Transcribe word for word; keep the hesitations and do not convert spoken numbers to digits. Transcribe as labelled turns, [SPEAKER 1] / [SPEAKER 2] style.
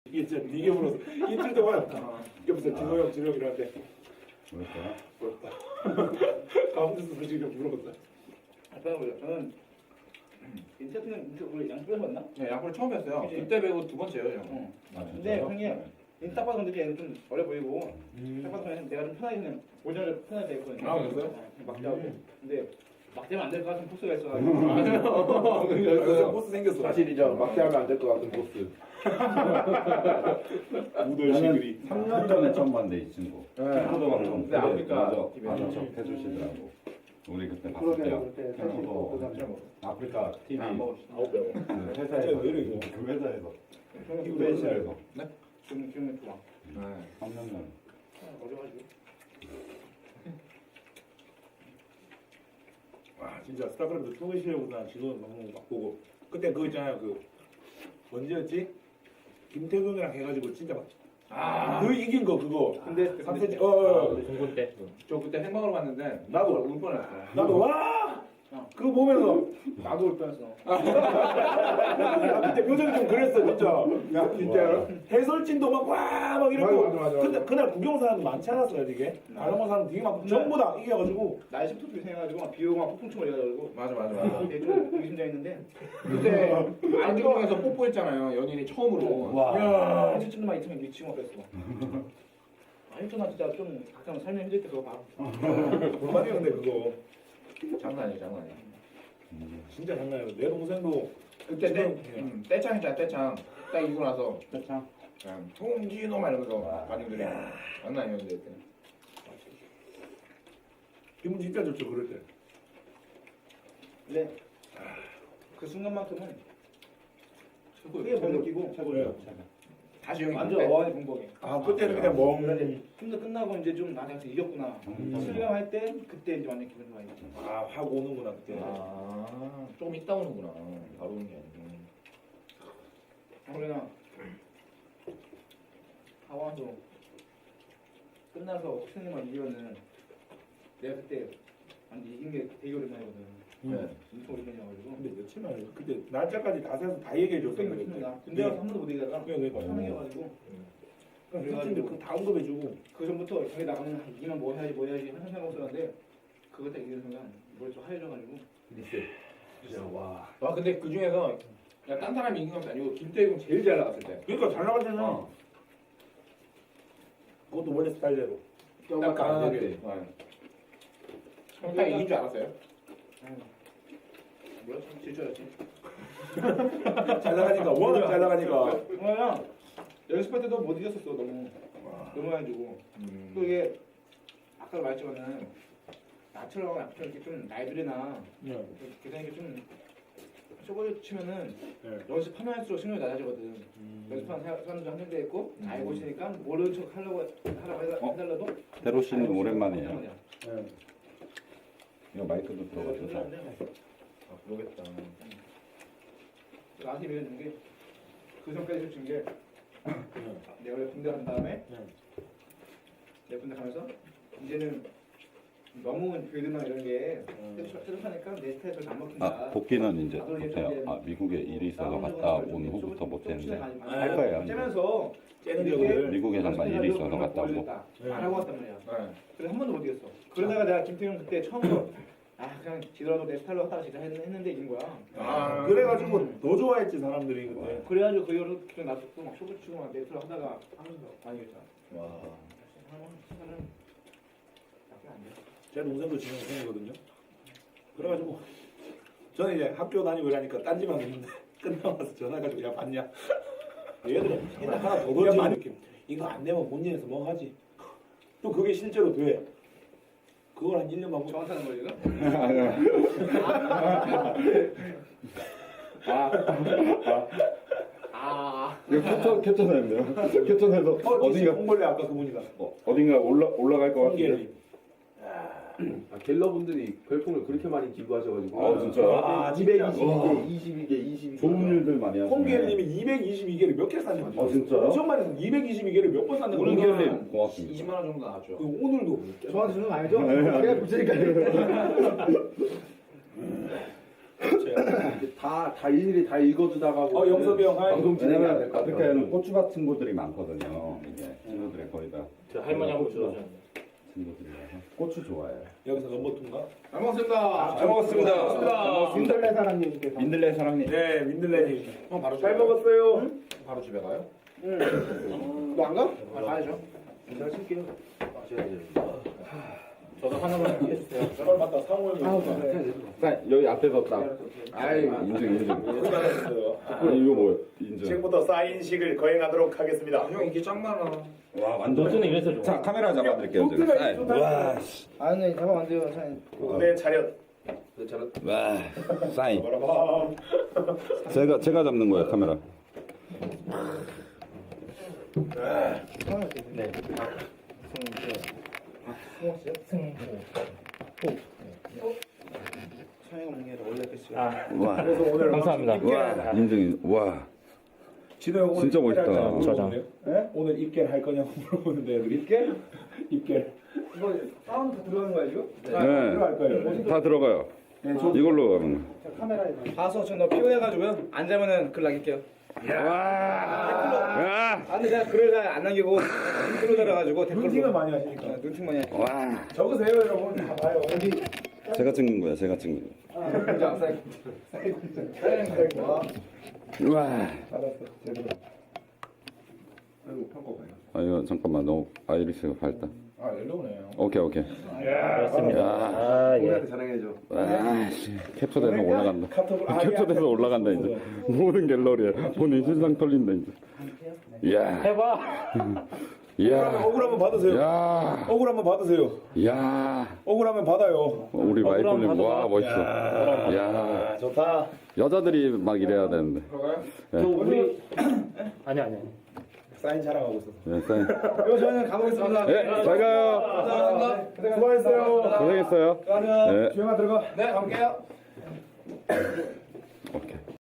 [SPEAKER 1] 이게 진짜 되게 물었어. 이틀 동안 옆에서 진호 형, 진호 형 이러는데
[SPEAKER 2] 그럴까?
[SPEAKER 1] 부럽다. 가운데서 솔직히 물어봤다.
[SPEAKER 3] 아까 보자. 저는 인터뷰는 인터 우리 양쪽에서 봤나?
[SPEAKER 4] 네, 야구를 처음 했어요.
[SPEAKER 3] 그치?
[SPEAKER 4] 그때 배우고 두 번째예요, 형.
[SPEAKER 3] 응.
[SPEAKER 2] 아,
[SPEAKER 3] 근데
[SPEAKER 2] 진짜요?
[SPEAKER 3] 형님 인딱 봐도 근데 얘는 좀 어려 보이고
[SPEAKER 1] 음.
[SPEAKER 3] 딱 봐도 그냥 내가 좀 편하게 그냥 오전에 편하게 돼 있거든요.
[SPEAKER 4] 아, 그랬어요?
[SPEAKER 3] 네, 막 자고.
[SPEAKER 1] 음.
[SPEAKER 3] 근데 막 되면 안 될 것 같은 포스가 있어가지고.
[SPEAKER 1] 여기서 보스 생겼어.
[SPEAKER 5] 사실이죠. 막대하면 안 될 것 같은 보스.
[SPEAKER 1] 우돌 시그리.
[SPEAKER 2] 삼 년 전에 처음 봤는데 이 친구.
[SPEAKER 4] 네.
[SPEAKER 2] 친구도 방송.
[SPEAKER 4] 네, 아프리카
[SPEAKER 2] 먼저
[SPEAKER 4] 티비.
[SPEAKER 2] 아는 척 해주시더라고. 우리 그때 봤을
[SPEAKER 5] 그러게,
[SPEAKER 2] 때요.
[SPEAKER 5] 그때 사실
[SPEAKER 2] 친구도
[SPEAKER 5] 그거
[SPEAKER 2] 아프리카 티비
[SPEAKER 4] 안 먹었어.
[SPEAKER 1] 아홉 명.
[SPEAKER 2] 그
[SPEAKER 1] 진짜
[SPEAKER 2] 회사에서
[SPEAKER 1] 왜 이래, 이거?
[SPEAKER 2] 그 회사에서
[SPEAKER 3] 형님
[SPEAKER 2] 티비에서
[SPEAKER 3] 지금 지금 좋아.
[SPEAKER 4] 네.
[SPEAKER 2] 삼 년 전.
[SPEAKER 3] 어려가지고.
[SPEAKER 1] 와 진짜 스타크래프트 투 시려고나 진호는 너무 막 보고 그때 그거 있잖아요 그 언제였지? 김태균이랑 해가지고 진짜 막
[SPEAKER 4] 아,
[SPEAKER 1] 그 이긴 거 그거
[SPEAKER 3] 근데
[SPEAKER 1] 삼
[SPEAKER 3] 근데
[SPEAKER 1] 세트 어, 어, 어.
[SPEAKER 6] 중고 때.
[SPEAKER 4] 저 그때 생방으로 봤는데
[SPEAKER 1] 나도.
[SPEAKER 4] 울 뻔했어요.
[SPEAKER 1] 나도 와
[SPEAKER 3] 어.
[SPEAKER 1] 그거 보면서
[SPEAKER 3] 나도 올 뻔했어.
[SPEAKER 1] 나 그때 표정이 좀 그랬어 진짜
[SPEAKER 2] 야, 진짜요?
[SPEAKER 1] 해설진도 막 와 막 이러고
[SPEAKER 5] 맞아, 맞아, 맞아.
[SPEAKER 1] 근데 그날 구경 사람도 많지 않았어요 되게 다른 사람 되게 많고 전부 다 이겨가지고
[SPEAKER 3] 날씨 툭툭 생겨가지고 막 비 오고 막 폭풍충을 이겨가지고.
[SPEAKER 4] 맞아, 맞아, 맞아.
[SPEAKER 3] 되게 좀 의심장했는데
[SPEAKER 4] 그때 안경에서 뽀뽀했잖아요. 연인이 처음으로.
[SPEAKER 2] 와.
[SPEAKER 1] 야
[SPEAKER 3] 일주일만 막 있으면 미치고 그랬어. 아 일주일만 진짜 좀 각자 살면 힘들 때 그거 봐.
[SPEAKER 1] 얼마나 근데 그거
[SPEAKER 4] 장난 아니에요, 장난 아니에요.
[SPEAKER 2] 음.
[SPEAKER 1] 진짜 장난 아니야 내 동생도
[SPEAKER 4] 그때 때,
[SPEAKER 1] 지금
[SPEAKER 4] 음, 떼창이잖아, 떼창. 딱 이고 나서
[SPEAKER 2] 참.
[SPEAKER 4] 그냥 통진호 막 이러면서 반응들이 장난 아니었는데 그때.
[SPEAKER 1] 기분 진짜 좋죠 그럴 때
[SPEAKER 3] 근데 그 순간만큼은
[SPEAKER 4] 최고,
[SPEAKER 3] 크게 못 느끼고
[SPEAKER 1] 최고예요
[SPEAKER 4] 다시 형이
[SPEAKER 3] 완전
[SPEAKER 4] 그때
[SPEAKER 3] 어안이 공복해.
[SPEAKER 1] 아 그때는 그냥 멍
[SPEAKER 3] 힘도 끝나고 이제 좀 나한테 가서 이겼구나.
[SPEAKER 2] 음.
[SPEAKER 3] 실감할 때 그때 이제 완전 기분 좋아요.
[SPEAKER 1] 아, 하고 오는구나, 그때.
[SPEAKER 4] 아, 조금 있다 오는구나. 바로 오는 게 아니고.
[SPEAKER 3] 그러나 하와도 끝나서 옥수님만 이기면은 내가 그때 완전 이긴 게 되게 오랜만이거든.
[SPEAKER 4] 네.
[SPEAKER 3] 엄청 오랜만이어가지고.
[SPEAKER 1] 근데 며칠 만에, 그때 날짜까지 다 세서 다 얘기해줬어.
[SPEAKER 3] 그때 며칠이나 군대 가서 한 번도 못 이기다가
[SPEAKER 1] 그러니까.
[SPEAKER 3] 처음 이겨가지고
[SPEAKER 1] 그래가지고 그 다음 거 해주고.
[SPEAKER 3] 그 전부터 경기 나가면 한 이기면 뭐 해야지 뭐 해야지 항상 생각하고 있었는데 그거 딱 이기는 순간 머리 좀 하얘져가지고
[SPEAKER 5] 리셋. 진짜 와.
[SPEAKER 4] 와, 근데 그 중에서 그냥 딴 사람이 이긴 것도 아니고 김태균 제일 잘 나갔을 때.
[SPEAKER 1] 그러니까 잘 나갔잖아.
[SPEAKER 4] 어.
[SPEAKER 1] 그것도 원래 스타일대로.
[SPEAKER 4] 딱 가능하게. 형딱 이긴 줄 알았어요?
[SPEAKER 3] 뭐야? 질줄 알았지.
[SPEAKER 1] 잘 나가니까, 워낙 잘 나가니까.
[SPEAKER 3] 그냥 연습할 때도 못 이겼었어 너무 너무 해가지고 또 이게 아까 말했지만은 나처럼 나처럼 이렇게 좀 나이들이나
[SPEAKER 1] 네.
[SPEAKER 3] 계산이 좀 초보에 치면은
[SPEAKER 1] 네.
[SPEAKER 3] 연습하면 할수록 승률이 낮아지거든. 연습하는 사- 사람도 한 명도 있고 알고 있으니까 모르는 척 하려고 하라고 해달-
[SPEAKER 2] 어?
[SPEAKER 3] 해달라도
[SPEAKER 2] 대로 씨는
[SPEAKER 3] 알고
[SPEAKER 2] 오랜만이에요.
[SPEAKER 3] 있으면 하는
[SPEAKER 1] 네.
[SPEAKER 2] 이거 마이크도
[SPEAKER 3] 거야.
[SPEAKER 2] 들어가서.
[SPEAKER 4] 아, 그러겠다.
[SPEAKER 3] 나한테 밀어준 게 그 전까지 준 게
[SPEAKER 1] 네.
[SPEAKER 3] 내가 원래 군대 간 다음에
[SPEAKER 1] 네.
[SPEAKER 3] 내가 군대 가면서 이제는 너무 교회들나 이런 게
[SPEAKER 1] 음.
[SPEAKER 3] 뾰족하니까 내 스타일을 안 먹힌다.
[SPEAKER 2] 아, 복귀는 이제 못해요. 아, 미국에 일이 있어서 갔다 온 후부터 못했는데. 할 거예요.
[SPEAKER 3] 째면서
[SPEAKER 1] 째는
[SPEAKER 3] 이렇게
[SPEAKER 1] 격을.
[SPEAKER 2] 미국에 잠깐 일이 있어서 갔다 오고.
[SPEAKER 1] 네.
[SPEAKER 3] 안 하고 왔단 말이야.
[SPEAKER 4] 네.
[SPEAKER 3] 그래서 한 번도 못 이겼어. 그러다가 내가 김태형 그때 처음으로 아 그냥 지더라도 내 스타일로 하다가 진짜 했- 했는데 이긴 거야.
[SPEAKER 1] 아, 그래가지고 더 좋아했지, 사람들이. 그때.
[SPEAKER 3] 그래가지고 그 이후로 그냥 나도 막 쇼부 치고 막 네트로 하다가 하면서 많이 이겼잖아.
[SPEAKER 4] 와.
[SPEAKER 3] 하는 나쁘게 안 돼.
[SPEAKER 1] 제 동생도 지금 동생이거든요. 그래가지고 저는 이제 학교 다니고 이러니까 딴지만 있는데 끝나고 나서 전화해가지고 야 봤냐? 얘들은 맨날 하나 더 던지고 이렇게 이거 안 되면 본인에서 뭐 하지? 또 그게 실제로 돼. 그걸 한 일 년 반고
[SPEAKER 3] 정확하는 거 지금? 아.
[SPEAKER 2] 이거 캡처, 캡처사인데요? 캡처사에서
[SPEAKER 1] 어,
[SPEAKER 2] 어딘가,
[SPEAKER 1] 홍벌레 아까 그분이다.
[SPEAKER 2] 어, 어딘가 올라, 올라갈 것 같은데.
[SPEAKER 1] 홍계리.
[SPEAKER 5] 아, 갤러분들이 별풍을 그렇게 많이 기부하셔가지고.
[SPEAKER 2] 아, 진짜요?
[SPEAKER 1] 아,
[SPEAKER 5] 이백이십이
[SPEAKER 2] 와.
[SPEAKER 5] 개, 이십이 개, 이십이 개.
[SPEAKER 2] 좋은 일들 많이 하시네.
[SPEAKER 1] 홍계리님이 이백이십이 개를 몇 개 샀는지.
[SPEAKER 2] 아, 진짜요?
[SPEAKER 1] 엄청 많이 샀는데 이백이십이 개를 몇 번 샀는지.
[SPEAKER 2] 오늘
[SPEAKER 1] 모르겠어요.
[SPEAKER 2] 기회님 고맙습니다.
[SPEAKER 4] 이십만 원 정도 나왔죠.
[SPEAKER 1] 그 오늘도.
[SPEAKER 3] 저한테 주는 거 아니죠?
[SPEAKER 2] 네.
[SPEAKER 3] 제가 붙이니까요.
[SPEAKER 1] 제 있어요.
[SPEAKER 5] 다, 다 일일이 다 읽어주다가
[SPEAKER 1] 어, 영섭이 형, 하이.
[SPEAKER 5] 방송 진행해야
[SPEAKER 2] 왜냐면
[SPEAKER 5] 될것 같아요.
[SPEAKER 2] 아프리카에는 고추밭 친구들이 많거든요. 이게 친구들이 거의 다
[SPEAKER 6] 저 할머니 한번 주워줘.
[SPEAKER 2] 친구들이라서 고추 좋아해요.
[SPEAKER 1] 여기서 넘버투인가?
[SPEAKER 4] 잘 먹었습니다.
[SPEAKER 2] 잘
[SPEAKER 4] 먹었습니다.
[SPEAKER 3] 민들레 사장님께
[SPEAKER 2] 민들레 사랑님.
[SPEAKER 1] 네, 민들레님.
[SPEAKER 4] 형 바로
[SPEAKER 1] 잘
[SPEAKER 4] 집에 가요?
[SPEAKER 1] 먹었어요.
[SPEAKER 4] 바로 집에 가요?
[SPEAKER 3] 너 안 가?
[SPEAKER 4] 아, 가야죠.
[SPEAKER 3] 내가 칠게요.
[SPEAKER 6] 저도 하나만 해주세요.
[SPEAKER 1] 저걸 맞다, 상호 형이.
[SPEAKER 2] 자, 여기 앞에서 딱.
[SPEAKER 4] 아이,
[SPEAKER 2] 인증 인증.
[SPEAKER 1] 고생하셨어요.
[SPEAKER 2] 아니 이거 뭐예요? 인증.
[SPEAKER 1] 지금부터 사인식을 거행하도록 하겠습니다.
[SPEAKER 4] 형 인기 짱 많아.
[SPEAKER 2] 와 완전.
[SPEAKER 6] 너는 이래서 좋아.
[SPEAKER 2] 자 카메라 잡아드릴게요. 지금. 사인. 와.
[SPEAKER 3] 아니 잡아면 안 돼요 사장님.
[SPEAKER 1] 무대 차렷.
[SPEAKER 2] 와. 사인.
[SPEAKER 1] 바라봐.
[SPEAKER 2] 제가 제가 잡는 거예요 카메라.
[SPEAKER 6] 네.
[SPEAKER 3] 사장님 먹는 게 아니라 원래 그랬어요.
[SPEAKER 6] 아,
[SPEAKER 2] 와.
[SPEAKER 1] 그래서 오늘
[SPEAKER 6] 감사합니다.
[SPEAKER 2] 와 인증. 와.
[SPEAKER 1] 진호 형 오늘
[SPEAKER 2] 진짜
[SPEAKER 1] 입결
[SPEAKER 2] 멋있다.
[SPEAKER 1] 할까 물어보네요.
[SPEAKER 6] 저장.
[SPEAKER 1] 네? 오늘 입결 할 거냐고 물어보는데 애들이. 입결? 입결.
[SPEAKER 3] 이거 사운드 다 들어가는 거야 지금?
[SPEAKER 2] 네.
[SPEAKER 1] 들어갈 거예요.
[SPEAKER 2] 다 들어가요.
[SPEAKER 1] 네, 저
[SPEAKER 2] 이걸로 하는 거.
[SPEAKER 3] 카메라에 봐서 저 너 피곤해가지고요. 안 자면은 글 남길게요.
[SPEAKER 2] 와. 야.
[SPEAKER 3] 아 근데 내가 글을 잘 안 남기고 댓글로 달아가지고 댓글로.
[SPEAKER 1] 눈팅을 많이 하시니까.
[SPEAKER 3] 어, 눈팅 많이 하니까.
[SPEAKER 2] 와.
[SPEAKER 1] 적으세요 여러분. 다 봐요. 어디?
[SPEAKER 2] 제가 찍는 거야. 제가 찍는 거.
[SPEAKER 3] 진짜 사장님.
[SPEAKER 2] 와.
[SPEAKER 1] 알았어. 제대로.
[SPEAKER 3] 아이고 평가 봐요.
[SPEAKER 2] 아 이거 잠깐만 너무 아이리스가 밝다.
[SPEAKER 4] 아, 옐로우네요.
[SPEAKER 2] 오케이 오케이.
[SPEAKER 6] 그렇습니다.
[SPEAKER 2] 야.
[SPEAKER 6] 아, 예.
[SPEAKER 5] 우리한테 자랑해줘.
[SPEAKER 2] 와. 씨. 캡처돼서 올라간다.
[SPEAKER 1] 카톡을
[SPEAKER 2] 캡처돼서 올라간다 이제. 모든 갤러리에 본인 실상 털린다 이제. 이야.
[SPEAKER 6] 해봐.
[SPEAKER 2] 이야.
[SPEAKER 1] 억울 한번 받으세요.
[SPEAKER 2] 야.
[SPEAKER 1] 억울 한번 받으세요.
[SPEAKER 2] 야.
[SPEAKER 1] 억울하면 받아요.
[SPEAKER 2] 우리 마이콜님
[SPEAKER 6] 억울함
[SPEAKER 2] 와
[SPEAKER 6] 받아봐.
[SPEAKER 2] 멋있어. 야.
[SPEAKER 1] 아, 좋다.
[SPEAKER 2] 여자들이 막 이래야 되는데.
[SPEAKER 4] 들어가요?
[SPEAKER 6] 저 우리 아니 아니. 아니.
[SPEAKER 1] 사인 자랑하고 있어.
[SPEAKER 2] 네, 사인.
[SPEAKER 3] 이거 저는 가보겠습니다.
[SPEAKER 2] 네, 잘 가요.
[SPEAKER 3] 감사합니다.
[SPEAKER 1] 수고하셨어요.
[SPEAKER 2] 고생했어요.
[SPEAKER 3] 수고하세요.
[SPEAKER 2] 네.
[SPEAKER 1] 주영아 들어가.
[SPEAKER 4] 네, 가볼게요.
[SPEAKER 2] 오케이.